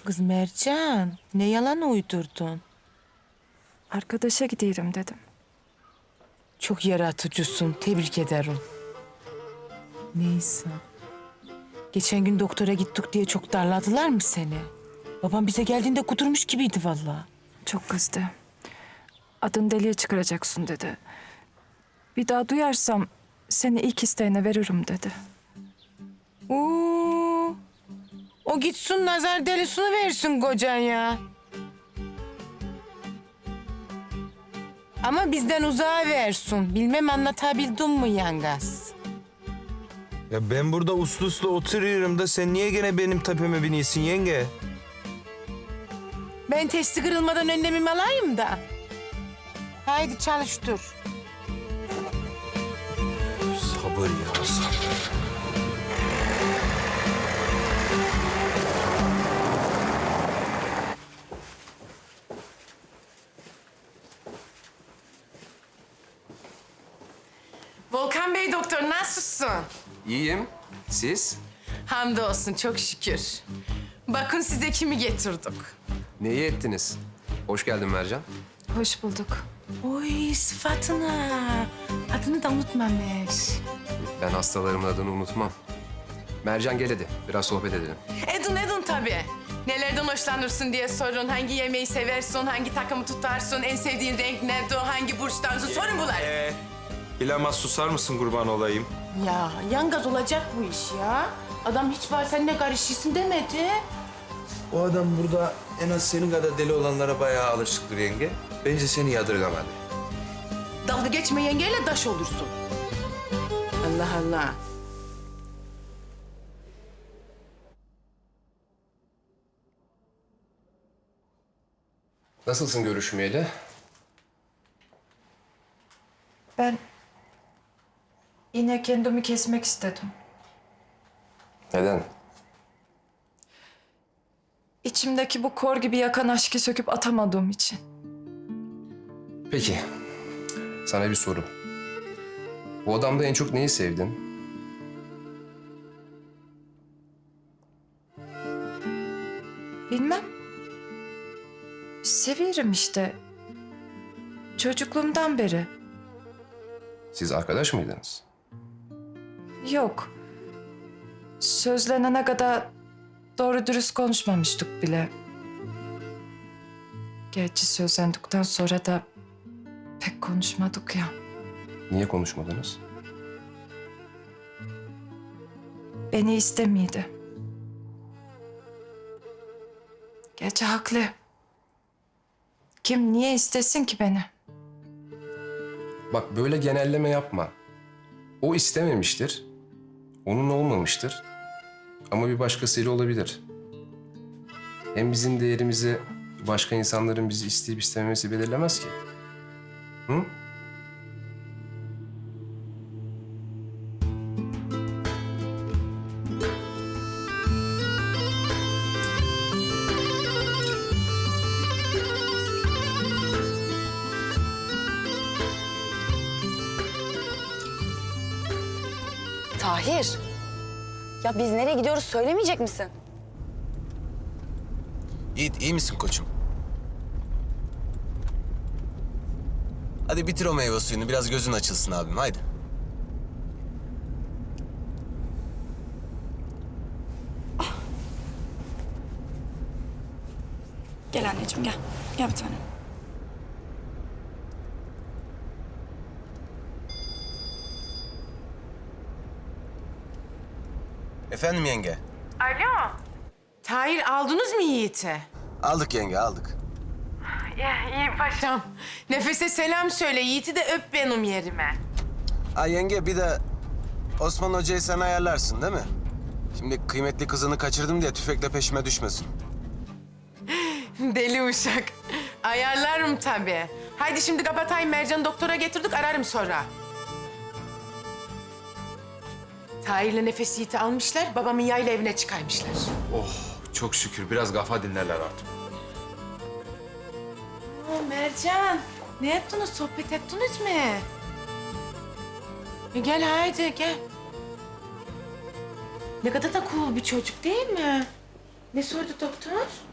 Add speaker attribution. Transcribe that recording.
Speaker 1: Kız Mercan, ne yalan uydurdun?
Speaker 2: Arkadaşa gidiyorum dedim.
Speaker 1: Çok yaratıcısın, tebrik ederim. Neyse. Geçen gün doktora gittik diye çok darladılar mı seni? Babam bize geldiğinde kudurmuş gibiydi vallahi.
Speaker 2: Çok kızdı. Adın deliye çıkaracaksın dedi. Bir daha duyarsam seni ilk isteğine veririm dedi.
Speaker 1: Oo, o gitsin nazar delisini versin kocan ya. Ama bizden uzağa versin. Bilmem anlatabildim mi yangaz?
Speaker 3: Ya ben burada uslu uslu oturuyorum da sen niye gene benim tepeme biniyorsun yenge?
Speaker 1: Ben testi kırılmadan önlemimi alayım da. Haydi çalıştır.
Speaker 3: Sabır ya sabır.
Speaker 1: Volkan Bey doktor nasılsın?
Speaker 4: İyiyim. Siz?
Speaker 1: Hamdolsun çok şükür. Bakın size kimi getirdik.
Speaker 4: Neyi ettiniz? Hoş geldin Mercan.
Speaker 2: Hoş bulduk.
Speaker 1: Oy sıfatına. Adını da unutmamış.
Speaker 4: Ben hastalarımın adını unutmam. Mercan gel hadi. Biraz sohbet edelim.
Speaker 1: Edin tabii. Nelerden hoşlanırsın diye sorun. Hangi yemeği seversin, hangi takımı tutarsın, en sevdiğin renk nedir, hangi burçtansın? Sorun bunlar.
Speaker 3: Bilemez susar mısın kurban olayım?
Speaker 1: Ya yangaz olacak bu iş ya. Adam hiç var seninle karışırsın demedi.
Speaker 3: O adam burada en az senin kadar deli olanlara bayağı alışıktır yenge. Bence seni yadırgamadı.
Speaker 1: Dalga geçme yengeyle daş olursun. Allah Allah.
Speaker 4: Nasılsın görüşmeyeli?
Speaker 2: Ben yine kendimi kesmek istedim.
Speaker 4: Neden?
Speaker 2: İçimdeki bu kor gibi yakan aşkı söküp atamadığım için.
Speaker 4: Peki. Sana bir soru. Bu adamda en çok neyi sevdin?
Speaker 2: Bilmem. Seviyorum işte. Çocukluğumdan beri.
Speaker 4: Siz arkadaş mıydınız?
Speaker 2: Yok. Sözlenene kadar doğru dürüst konuşmamıştık bile. Gerçi sözlendikten sonra da pek konuşmadık ya.
Speaker 4: Niye konuşmadınız?
Speaker 2: Beni istemiydi. Gerçi haklı. Kim niye istesin ki beni?
Speaker 4: Bak böyle genelleme yapma. O istememiştir. Onun olmamıştır. Ama bir başkasıyla olabilir. Hem bizim değerimizi başka insanların bizi isteyip istememesi belirlemez ki. Hı?
Speaker 5: Tahir. Ya biz nereye gidiyoruz söylemeyecek misin?
Speaker 6: Yiğit iyi misin koçum? Hadi bitir o meyve suyunu biraz gözün açılsın abim haydi.
Speaker 5: Gel anneciğim gel. Gel bir tanem.
Speaker 6: Efendim yenge?
Speaker 1: Alo. Tahir aldınız mı Yiğit'i?
Speaker 6: Aldık yenge aldık.
Speaker 1: İyi paşam. Nefes'e selam söyle. Yiğit'i de öp benim yerime.
Speaker 6: Ay yenge bir de Osman Hoca'yı sen ayarlarsın değil mi? Şimdi kıymetli kızını kaçırdım diye tüfekle peşime düşmesin.
Speaker 1: Deli uşak. Ayarlarım tabii. Haydi şimdi kapatayım. Mercan'ı doktora getirdik. Ararım sonra. Tahir'le Nefes Yiğit'i almışlar. Babamın yayla evine çıkarmışlar.
Speaker 7: Oh çok şükür biraz kafa dinlerler artık.
Speaker 1: Mercan, ne ettiniz? Sohbet ettiniz mi? Gel haydi gel. Ne kadar da cool bir çocuk değil mi? Ne sordu doktor?